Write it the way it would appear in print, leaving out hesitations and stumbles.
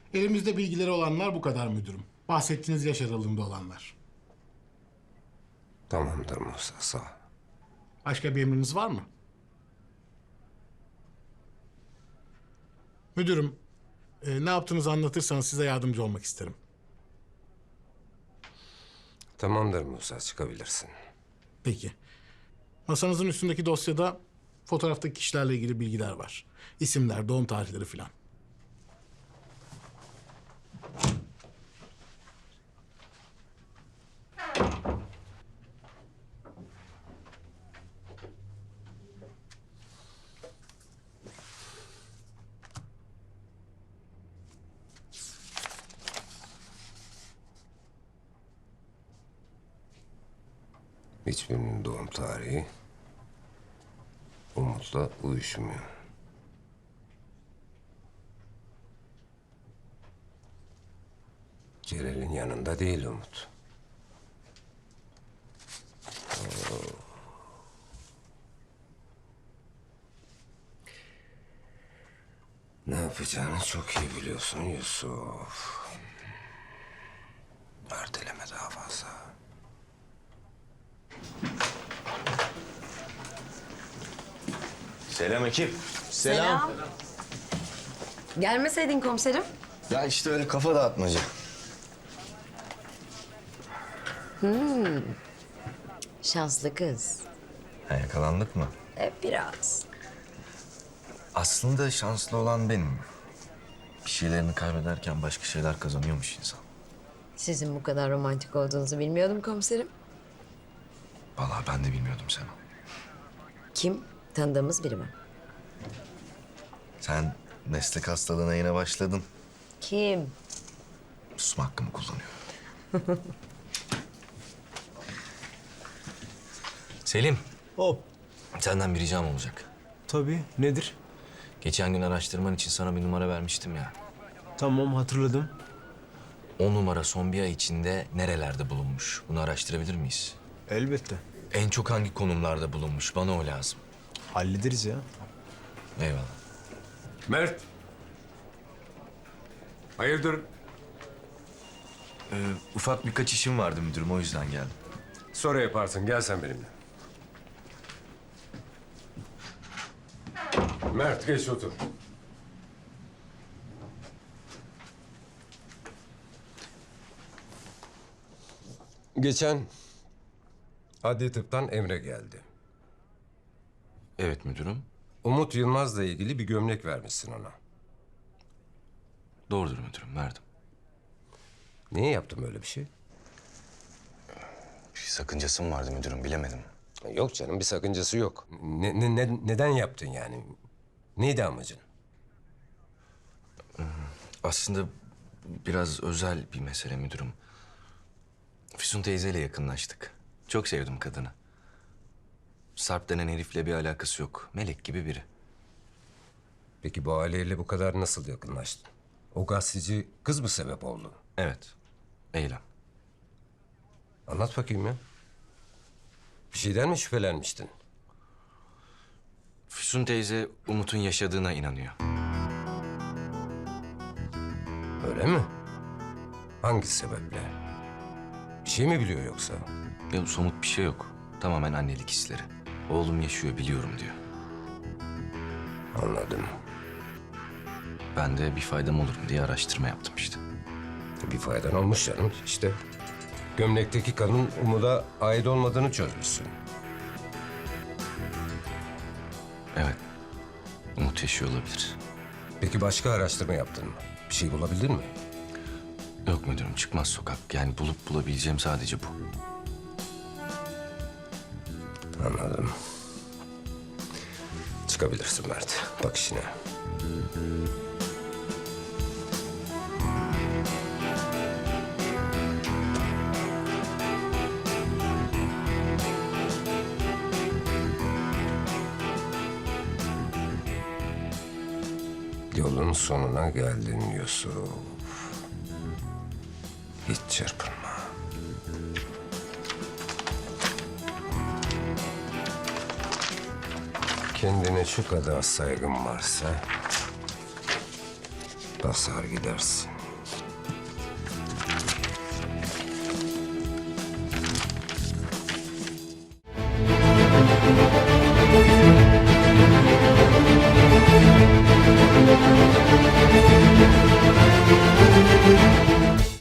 Elimizde bilgileri olanlar bu kadar müdürüm. Bahsettiğiniz yaş aralığında olanlar. Tamamdır Musa, sağ ol. Başka bir emriniz var mı? Müdürüm, ne yaptığınızı anlatırsanız size yardımcı olmak isterim. Tamamdır Musa, çıkabilirsin. Peki. Masanızın üstündeki dosyada fotoğraftaki kişilerle ilgili bilgiler var. İsimler, doğum tarihleri filan. Hiçbirinin doğum tarihi Umut'la uyuşmuyor. Celal'in yanında değil Umut. Ne yapacağını çok iyi biliyorsun Yusuf. Erteleme daha fazla. Selam ekip. Selam. Gelmeseydin komiserim. Ya işte öyle kafa dağıtmaca. Şanslı kız. Ha, yakalandık mı? Biraz. Aslında şanslı olan benim. Bir şeylerini kaybederken başka şeyler kazanıyormuş insan. Sizin bu kadar romantik olduğunuzu bilmiyordum komiserim. Vallahi ben de bilmiyordum Sema. Kim? Tanıdığımız biri mi? Sen meslek hastalığına yine başladın. Kim? Susma hakkımı kullanıyorum. Selim, Hop. senden bir ricam olacak. Tabii. Nedir? Geçen gün araştırman için sana bir numara vermiştim ya. Tamam, hatırladım. O numara son bir ay içinde nerelerde bulunmuş? Bunu araştırabilir miyiz? Elbette. En çok hangi konumlarda bulunmuş? Bana o lazım. Hallederiz ya. Eyvallah. Mert. Hayırdır? Ufak birkaç işim vardı müdürüm, o yüzden geldim. Sonra yaparsın, gel sen benimle. Mert geç otur. Geçen adli tıptan Emre geldi. Evet müdürüm. Umut Yılmaz'la ilgili bir gömlek vermişsin ona. Doğrudur müdürüm, verdim. Niye yaptım öyle bir şey? Bir sakıncası mı vardı müdürüm, bilemedim. Yok canım, bir sakıncası yok. Neden yaptın yani? Neydi amacın? Aslında biraz özel bir mesele müdürüm. Füsun teyzeyle yakınlaştık. Çok sevdim kadını. Sarp denen herifle bir alakası yok. Melek gibi biri. Peki bu aileyle bu kadar nasıl yakınlaştın? O gazeteci kız mı sebep oldu? Evet, Eylem. Anlat bakayım ya. Bir şeyden mi şüphelenmiştin? Füsun teyze Umut'un yaşadığına inanıyor. Öyle mi? Hangi sebeple? Bir şey mi biliyor yoksa? Ya somut bir şey yok. Tamamen annelik hisleri. Oğlum yaşıyor, biliyorum diyor. Anladım. Ben de bir faydam olur mu diye araştırma yaptım işte. Bir faydan olmuş canım işte. Gömlekteki kanın Umut'a ait olmadığını çözmüşsün. Evet, Umut yaşıyor olabilir. Peki başka araştırma yaptın mı? Bir şey bulabildin mi? Yok müdürüm, çıkmaz sokak. Yani bulabileceğim sadece bu. Anladım. Çıkabilirsin Mert. Bak işine. Yolun sonuna geldin Yusuf. Hiç çırpınma. Kendine şu kadar saygın varsa basar gidersin.